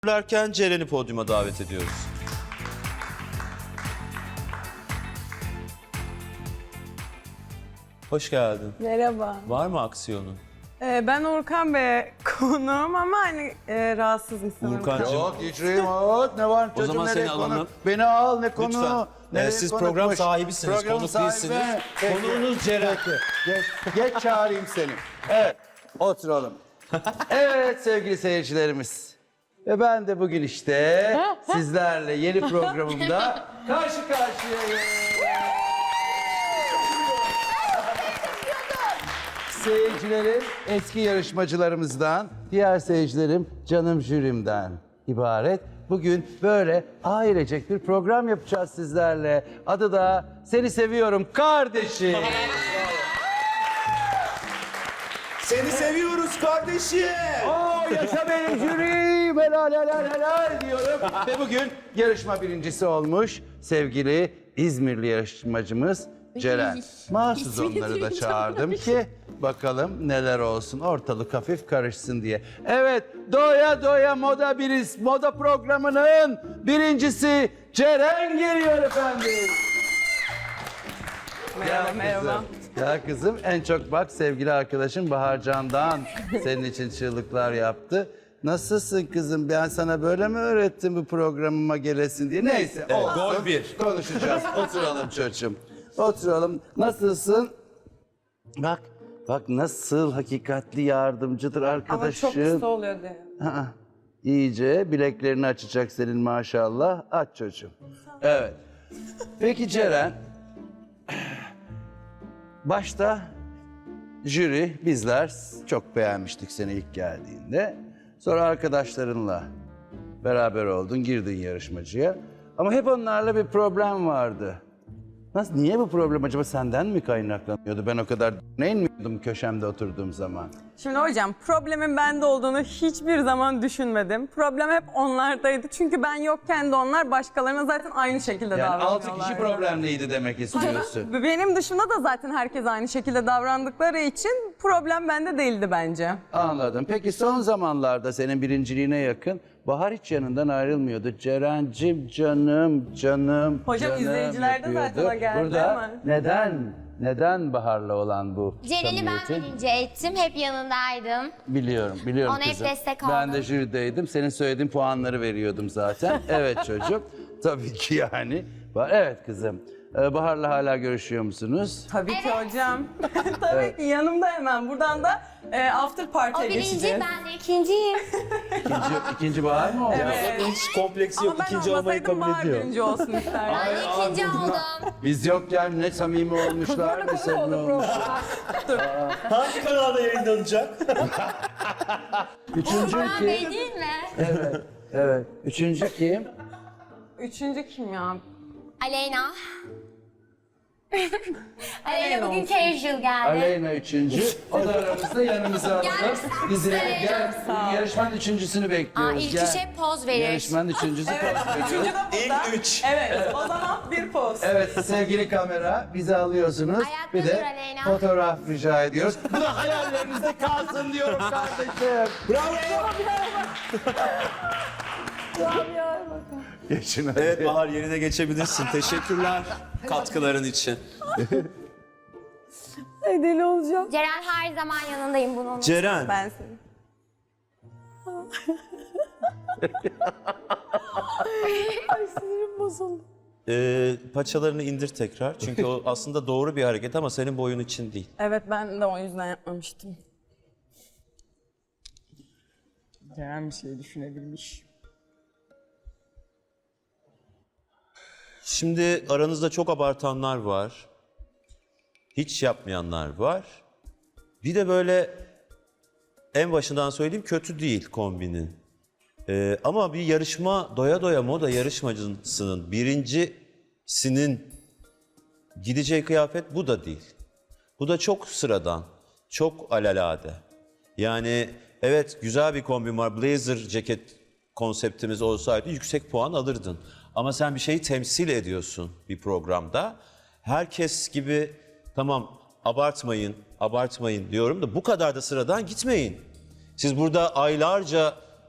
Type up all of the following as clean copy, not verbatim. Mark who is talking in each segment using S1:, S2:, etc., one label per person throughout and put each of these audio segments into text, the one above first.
S1: Lerken Ceren'i podyuma davet ediyoruz. Hoş geldin.
S2: Merhaba.
S1: Var mı aksiyonun?
S2: Ben Urkan Bey'e konuğum ama hani rahatsızım sanırım.
S1: Urkancığım.
S3: Yok geçireyim oğlum. Ne var çocuğum,
S1: zaman
S3: nereye
S1: seni
S3: konu?
S1: alalım.
S3: Beni al, ne konu?
S1: Lütfen.
S3: Nereye
S1: Siz
S3: konukmuş?
S1: program sahibisiniz,
S3: Program
S1: konuk
S3: sahibi.
S1: değilsiniz.
S3: Peki.
S1: Konuğunuz Ceren.
S3: Peki. Geç çağırayım seni. Evet, oturalım. Evet sevgili seyircilerimiz. Ve ben de bugün işte sizlerle yeni programımda karşı karşıyayım. Seyircilerim eski yarışmacılarımızdan, diğer seyircilerim canım jürimden ibaret. Bugün böyle ailecek bir program yapacağız sizlerle. Adı da Seni Seviyorum Kardeşim.
S1: Seni seviyoruz kardeşim.
S3: Oo, yaşa benim jürim. Helal helal helal diyorum. Ve bugün yarışma birincisi olmuş sevgili İzmirli yarışmacımız Ceren. Mahsus onları da çağırdım ki bakalım neler olsun, ortalık hafif karışsın diye. Evet, Doya Doya Moda programının birincisi Ceren geliyor efendim.
S2: Merhaba, merhaba.
S3: Ya kızım, en çok bak sevgili arkadaşım Bahar Can'dan senin için çığlıklar yaptı. Nasılsın kızım? Ben sana böyle mi öğrettim bu programıma gelesin diye? Neyse, olsun.
S1: gol bir.
S3: Konuşacağız. Oturalım çocuğum. Oturalım. Nasılsın? Bak nasıl hakikatli yardımcıdır
S2: Ama
S3: arkadaşım.
S2: çok kısa oluyor diye.
S3: Aa, İyice bileklerini açacak senin maşallah. Aç çocuğum. Evet. Peki Ceren, başta jüri, bizler çok beğenmiştik seni ilk geldiğinde. Sonra arkadaşlarınla beraber oldun, girdin yarışmacıya. Ama hep onlarla bir problem vardı. Nasıl, niye bu problem acaba senden mi kaynaklanıyordu? Ben o kadar inmiyordum köşemde oturduğum zaman.
S2: Şimdi hocam problemin bende olduğunu hiçbir zaman düşünmedim. Problem hep onlardaydı. Çünkü ben yokken de onlar başkalarına zaten aynı şekilde
S3: Yani
S2: davranıyorlar.
S3: 6 kişi problemliydi demek istiyorsun.
S2: Benim dışımda da zaten herkes aynı şekilde davrandıkları için problem bende değildi bence.
S3: Anladım. Peki son zamanlarda senin birinciliğine yakın Bahar hiç yanından ayrılmıyordu. Ceren'cim canım.
S2: Hocam,
S3: canım
S2: izleyiciler de zaten
S3: yapıyordu.
S2: o geldi
S3: Burada
S2: ama.
S3: neden Bahar'la olan bu
S4: Ceren'i ben
S3: samimiyeti?
S4: birinci ettim. Hep yanındaydım.
S3: Biliyorum
S4: Ona hep
S3: kızım.
S4: destek
S3: Ben
S4: oldum.
S3: de jürideydim. Senin söylediğin puanları veriyordum zaten. Evet çocuğum. Tabii ki yani. Evet kızım. Bahar'la hala görüşüyor musunuz?
S2: Tabii ki hocam. Tabii ki yanımda hemen. Buradan da after
S4: O
S2: party'ye
S4: birinci,
S2: geçeceğiz.
S4: ben de ikinciyim.
S3: İkinci Bahar mı oldu?
S1: Hiç kompleksi yok.
S2: Ama ben
S1: İkinci olmayı
S2: olmasaydım
S1: kabul
S2: Bahar
S1: ediyor.
S2: birinci olsun isterdim.
S4: Ben de ikinci oldum.
S3: Biz yokken ne samimi olmuşlar ne samimi olmuşlar.
S1: Hangi kanalda yayınlanacak?
S3: Üçüncü
S4: Orhan
S3: kim?
S4: Bey değil mi?
S3: Evet. Üçüncü kim?
S2: Üçüncü kim ya?
S4: Aleyna. Aleyna
S2: Aleyna
S4: bugün
S2: olsun.
S4: casual geldi.
S3: Aleyna üçüncü. O da aramızda yanımıza alalım. Dizine gel.
S2: ol.
S3: Yarışmanın üçüncüsünü bekliyoruz.
S4: İlk
S3: Gel.
S4: üçe poz verir.
S3: Yarışmanın üçüncüsü poz veriyor.
S2: Üçüncü de burada.
S1: İlk üç.
S2: Evet, o zaman bir poz.
S3: Evet sevgili kamera bizi alıyorsunuz.
S4: Ayakta
S3: Bir
S4: dur
S3: de
S4: Aleyna.
S3: fotoğraf rica ediyoruz. Bu da hayallerinizde kalsın diyorum kardeşim.
S1: Bravo.
S3: Geçin hadi.
S1: Evet Bahar, yerine geçebilirsin. Teşekkürler katkıların için.
S2: Ay, deli olacağım.
S4: Ceren her zaman yanındayım bunun.
S1: Ceren,
S2: Ben seni. Ay, sinirim bozuldu.
S1: paçalarını indir tekrar. Çünkü o aslında doğru bir hareket ama senin boyun için değil.
S2: Evet, ben de o yüzden yapmamıştım.
S5: Ceren bir şey düşünebilmiş.
S1: Şimdi aranızda çok abartanlar var. Hiç yapmayanlar var. Bir de böyle en başından söyleyeyim, kötü değil kombinin. Ama bir yarışma, Doya Doya Moda yarışmacısının birincisinin gideceği kıyafet bu da değil. Bu da çok sıradan, çok alelade. Yani evet, güzel bir kombin var. Blazer ceket konseptimiz olsaydı yüksek puan alırdın. Ama sen bir şeyi temsil ediyorsun bir programda. Herkes gibi tamam abartmayın diyorum da bu kadar da sıradan gitmeyin. Siz burada aylarca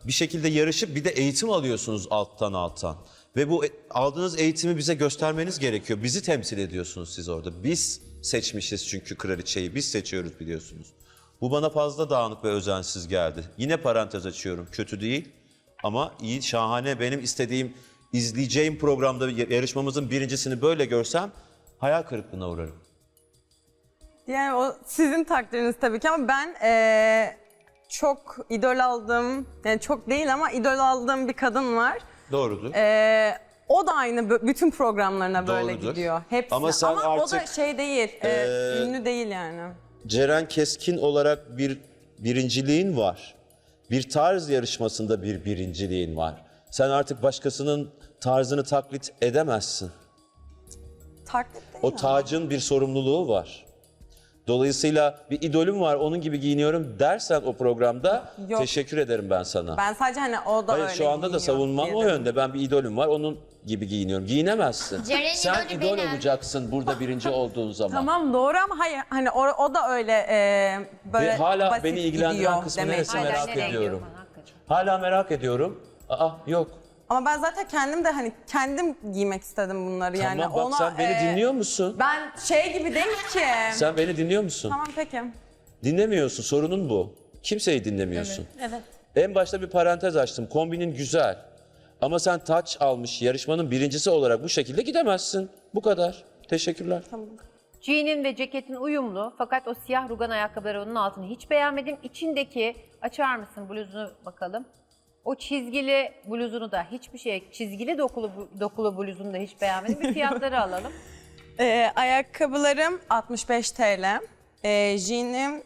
S1: bir şekilde yarışıp bir de eğitim alıyorsunuz alttan. Ve bu aldığınız eğitimi bize göstermeniz gerekiyor. Bizi temsil ediyorsunuz siz orada. Biz seçmişiz çünkü kraliçeyi. Biz seçiyoruz biliyorsunuz. Bu bana fazla dağınık ve özensiz geldi. Yine parantez açıyorum. Kötü değil ama iyi, şahane. Benim istediğim, izleyeceğim programda yarışmamızın birincisini böyle görsem hayal kırıklığına uğrarım.
S2: Yani o sizin takdiriniz tabii ki ama ben çok idol aldığım, yani çok değil ama idol aldığım bir kadın var.
S1: Doğrudur.
S2: O da aynı bütün programlarına böyle
S1: Doğrudur.
S2: gidiyor. Hepsi.
S1: Ama sen
S2: o da
S1: artık,
S2: şey değil, ünlü değil yani.
S1: Ceren Keskin olarak bir birinciliğin var. Bir tarz yarışmasında bir birinciliğin var. Sen artık başkasının tarzını taklit edemezsin.
S2: Taklit değil
S1: O
S2: ama.
S1: tacın bir sorumluluğu var. Dolayısıyla bir idolüm var, onun gibi giyiniyorum dersen o programda
S2: Yok.
S1: teşekkür ederim ben sana.
S2: Ben sadece hani o da
S1: Hayır,
S2: öyle
S1: şu anda da
S2: giyiniyor
S1: savunmam
S2: diye
S1: o
S2: dedim.
S1: yönde. Ben bir idolüm var, onun gibi giyiniyorum. Giyinemezsin.
S4: Ceren'in
S1: Sen
S4: idolü
S1: idol
S4: benim.
S1: olacaksın burada birinci olduğun zaman.
S2: Tamam doğru ama hayır hani o da öyle böyle
S1: Ve hala
S2: basit
S1: beni ilgilendiren
S2: gidiyor
S1: kısmı
S2: demeye
S1: neresi
S2: çalışıyorum.
S1: merak ediyorum. Hala merak ediyorum. Aa yok.
S2: Ama ben zaten kendim de hani kendim giymek istedim bunları yani.
S1: Tamam bak sen beni dinliyor musun?
S2: Ben şey gibi değil ki.
S1: Sen beni dinliyor musun?
S2: Tamam peki.
S1: Dinlemiyorsun, sorunun bu. Kimseyi dinlemiyorsun.
S4: Evet.
S1: En başta bir parantez açtım. Kombinin güzel. Ama sen taç almış yarışmanın birincisi olarak bu şekilde gidemezsin. Bu kadar. Teşekkürler.
S6: Jean'in ve ceketin uyumlu fakat o siyah rugan ayakkabıları onun altını hiç beğenmedim. İçindeki, açar mısın bluzunu bakalım. O çizgili bluzunu da hiçbir şey, çizgili dokulu bluzunu da hiç beğenmedim. Bir fiyatları alalım.
S2: Ayakkabılarım 65 TL. Jeanim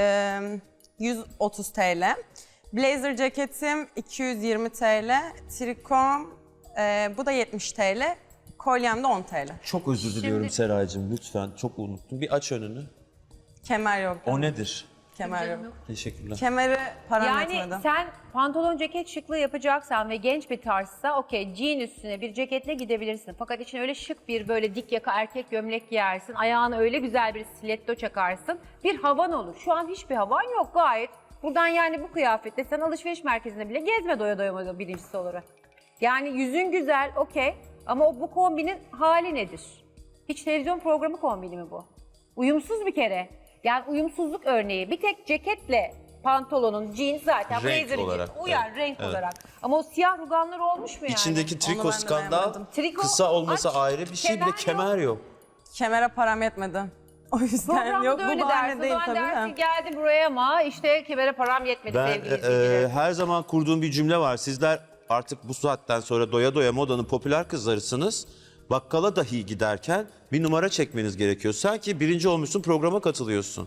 S2: 130 TL. Blazer ceketim 220 TL. Trikom bu da 70 TL. Kolyem de 10 TL.
S1: Çok özür diliyorum Seraycığım lütfen. Çok unuttum. Bir aç önünü.
S2: Kemer yok.
S1: O nedir?
S2: Kemer yok.
S1: Teşekkürler.
S2: Kemeri param
S6: Yani
S2: yetmedi.
S6: sen pantolon ceket şıklığı yapacaksan ve genç bir tarzsa okey jean üstüne bir ceketle gidebilirsin. Fakat içine öyle şık bir böyle dik yaka erkek gömlek giyersin. Ayağına öyle güzel bir stiletto çakarsın. Bir havan olur. Şu an hiçbir havan yok gayet. Buradan yani bu kıyafetle sen alışveriş merkezinde bile gezme doya doya birincisi olarak. Yani yüzün güzel okey ama bu kombinin hali nedir? Hiç televizyon programı kombini mi bu? Uyumsuz bir kere. Yani uyumsuzluk örneği. Bir tek ceketle pantolonun, jean zaten
S1: Renk
S6: blazer'ın
S1: olarak,
S6: uyar
S1: evet,
S6: renk
S1: evet.
S6: olarak. Ama o siyah ruganlar olmuş mu yani?
S1: İçindeki triko
S2: ben de
S1: skandal
S2: beğenmedim.
S6: Triko,
S1: kısa olması
S6: aç,
S1: ayrı bir şey, bir de kemer yok.
S2: Kemere param yetmedi. O yüzden
S6: Programda
S2: yok
S6: da
S2: bu
S6: öyle
S2: bahane
S6: dersin.
S2: değil
S6: O zaman
S2: tabii
S6: dersin
S2: de.
S6: geldi buraya ama işte kemere param yetmedi
S1: Ben
S6: sevgili izleyiciler.
S1: her zaman kurduğum bir cümle var. Sizler artık bu saatten sonra doya doya modanın popüler kızlarısınız. Bakkala dahi giderken bir numara çekmeniz gerekiyor. Sanki birinci olmuşsun, programa katılıyorsun.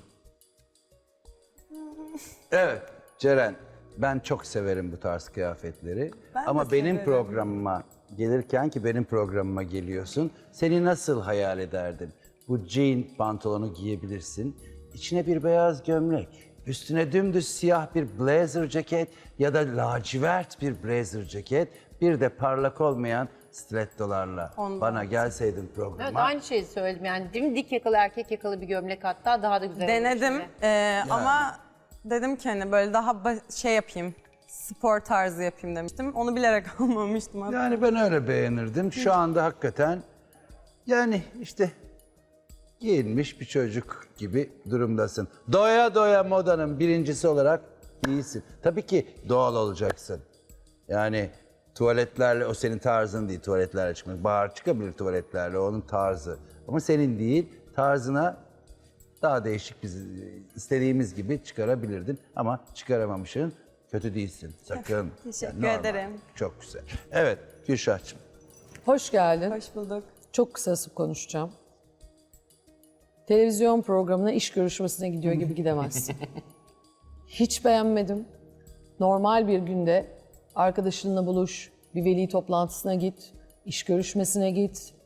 S3: Evet Ceren, ben çok severim bu tarz kıyafetleri.
S2: Ben de
S3: Ama benim
S2: severim.
S3: programıma gelirken ki benim programıma geliyorsun, seni nasıl hayal ederdim? Bu jean pantolonu giyebilirsin, içine bir beyaz gömlek, üstüne dümdüz siyah bir blazer ceket ya da lacivert bir blazer ceket, bir de parlak olmayan stilettolarla
S2: Ondan.
S3: bana gelseydin programa.
S6: Evet aynı şeyi söyledim yani değil mi? Dik yakalı erkek yakalı bir gömlek hatta daha da güzel
S2: Denedim
S6: olur
S2: ama dedim ki hani böyle daha şey yapayım, spor tarzı yapayım demiştim. Onu bilerek almamıştım hatta.
S3: Yani ben öyle beğenirdim. Şu anda hakikaten yani işte giyinmiş bir çocuk gibi durumdasın. Doya doya modanın birincisi olarak iyisin. Tabii ki doğal olacaksın. Yani tuvaletlerle o senin tarzın değil tuvaletlerle çıkmak. Bahar çıkabilir tuvaletlerle onun tarzı. Ama senin değil tarzına daha değişik biz istediğimiz gibi çıkarabilirdin. Ama çıkaramamışsın. Kötü değilsin sakın.
S2: Teşekkür
S3: normal.
S2: ederim.
S3: Çok güzel. Evet Gülşah'cığım.
S5: Hoş geldin.
S2: Hoş bulduk.
S5: Çok kısası konuşacağım. Televizyon programına iş görüşmesine gidiyor gibi gidemezsin. Hiç beğenmedim. Normal bir günde arkadaşınla buluş, bir veli toplantısına git, iş görüşmesine git.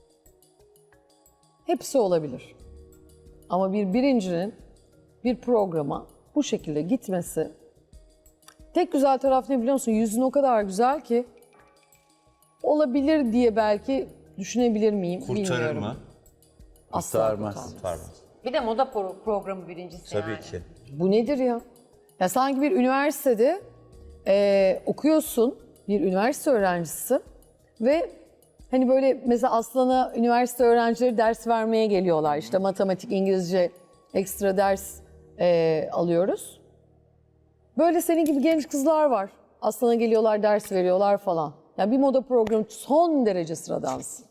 S5: Hepsi olabilir. Ama bir birincinin bir programa bu şekilde gitmesi, tek güzel taraf ne biliyor musun? Yüzün o kadar güzel ki olabilir diye belki düşünebilir miyim bilmiyorum. Asla
S3: Kurtarmaz.
S5: kurtarmaz.
S6: Bir de moda programı birincisi
S1: Tabii
S6: yani.
S1: ki.
S5: Bu nedir ya? Ya sanki bir üniversitede okuyorsun, bir üniversite öğrencisi ve hani böyle mesela Aslan'a üniversite öğrencileri ders vermeye geliyorlar. İşte matematik, İngilizce ekstra ders alıyoruz. Böyle senin gibi genç kızlar var. Aslan'a geliyorlar, ders veriyorlar falan. Yani bir moda programı son derece sıradansın.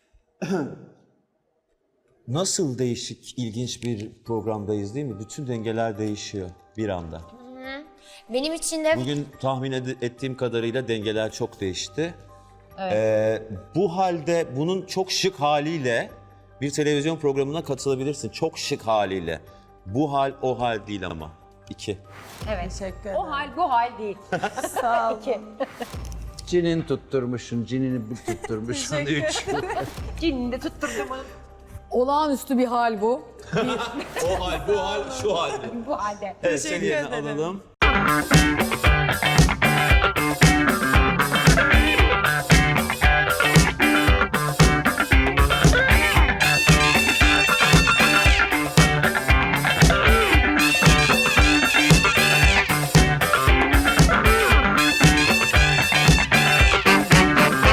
S1: Nasıl değişik, ilginç bir programdayız değil mi? Bütün dengeler değişiyor bir anda.
S4: Benim için de
S1: Bugün tahmin ettiğim kadarıyla dengeler çok değişti. Bu halde bunun çok şık haliyle bir televizyon programına katılabilirsin. Çok şık haliyle. Bu hal o hal değil ama. 2.
S6: Evet.
S2: Teşekkür ederim.
S6: O hal bu hal değil.
S2: Sağ olun.
S3: Cinin tutturmuşsun, cinini bir tutturmuşsun. 3.
S6: Cinini de tutturdum.
S5: Olağanüstü bir hal bu.
S1: O hal, bu hal, şu hal.
S6: Bu halde.
S1: Evet, seni yerine alalım.